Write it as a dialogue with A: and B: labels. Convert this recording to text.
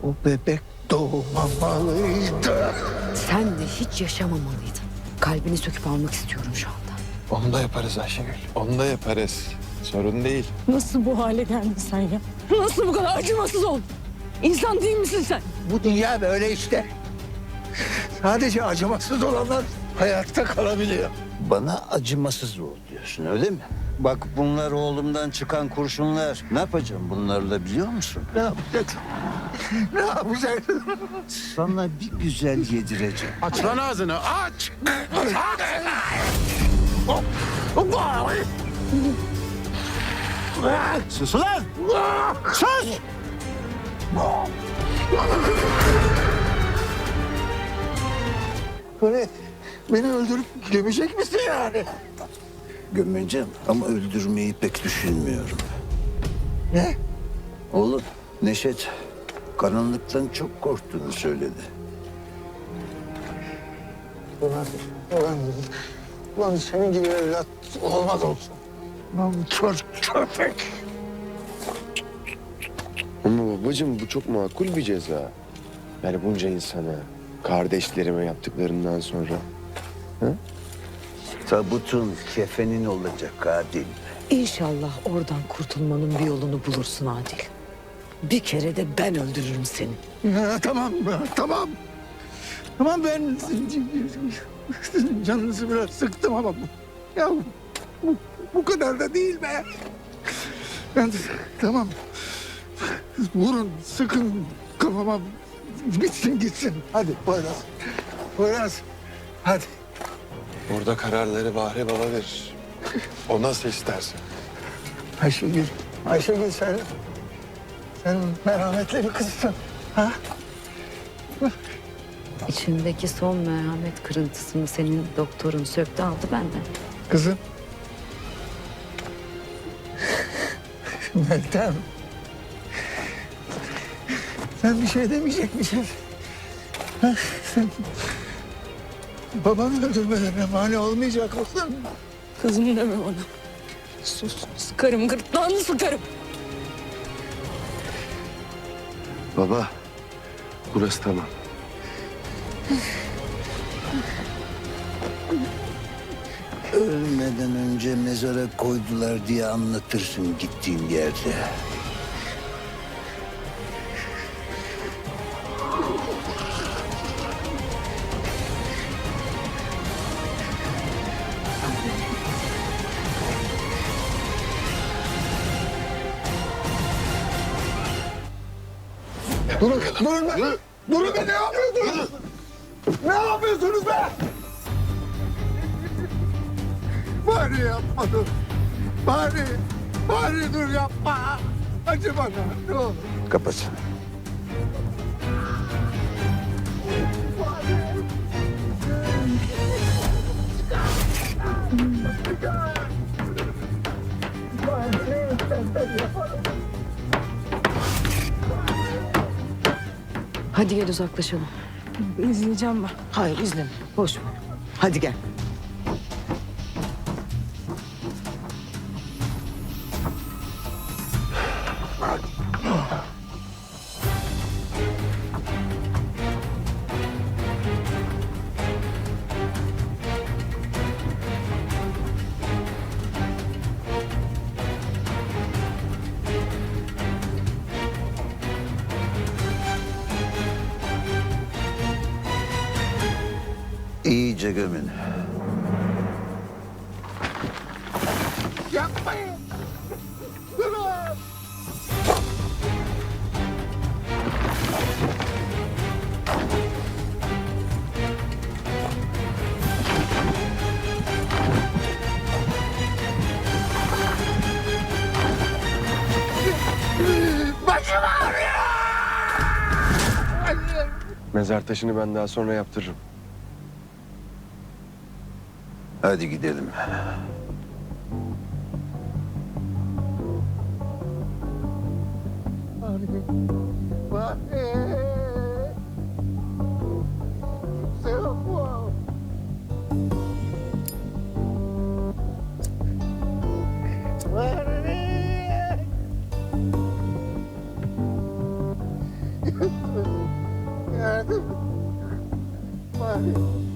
A: O bebek doğmamalıydı.
B: Sen de hiç yaşamamalıydın. Kalbini söküp almak istiyorum şu anda.
C: Onu da yaparız Ayşegül. Onu da yaparız. Sorun değil.
D: Nasıl bu hale geldin sen ya? Nasıl bu kadar acımasız oldun? İnsan değil misin sen?
A: Bu dünya böyle işte. Sadece acımasız olanlar hayatta kalabiliyor.
E: Bana acımasız ol diyorsun öyle mi? Bak bunlar oğlumdan çıkan kurşunlar. Ne yapacağım bunlarla biliyor musun?
A: Ne yapacaksın? Ne yapacaksın?
E: Sana bir güzel yedireceğim.
C: Aç lan ağzını aç.
E: Sus ulan! Sus!
A: Böyle beni öldürüp gömecek misin yani?
E: Gömeceğim ama öldürmeyi pek düşünmüyorum.
A: Ne?
E: Oğlum Neşet karanlıktan çok korktuğunu söyledi.
A: Ulan senin gibi evlat olmaz olsun. Lan bu çocuk köpek.
C: Ama babacığım bu çok makul bir ceza. Yani bunca insana, kardeşlerime yaptıklarından sonra.
E: Tabutun kefenin olacak Adil.
B: İnşallah oradan kurtulmanın bir yolunu bulursun Adil. Bir kere de ben öldürürüm seni.
A: Ya, tamam, tamam. Tamam ben canınızı biraz sıktım ama ya bu kadar da değil be. Ben tamam. Vurun, sıkın kafama bitsin gitsin. Hadi Poyraz. Poyraz. Hadi.
C: Orada kararları Bahri Baba verir. O nasıl isterse.
A: Ayşegül. Ayşegül sen merhametli bir kızsın. Ha?
B: İçindeki son merhamet kırıntısını senin doktorun söktü aldı benden.
A: Kızım. Meltem. Sen bir şey demeyecek misin? Ha, sen babanı öldürmelerine mani olmayacak mısın?
D: Kızım deme bana. Sus, sıkarım gırtlağını sıkarım.
C: Baba, burası tamam.
E: Ölmeden önce mezara koydular diye anlatırsın gittiğin yerde.
A: Durun be! Durun be! Ne yapıyorsunuz? Ne yapıyorsunuz be? Bari yapma dur. Bari dur yapma. Acı bana ne olur.
E: Kapat.
B: Hadi gel uzaklaşalım.
D: İzleyeceğim ben.
B: Hayır izleme. Boş ver. Hadi gel.
E: İyice gömün.
A: Yapmayın. Durun. Başım ağrıyor.
C: Mezar taşını ben daha sonra yaptırırım.
E: Hadi gidelim.
A: Yardım. Mahir.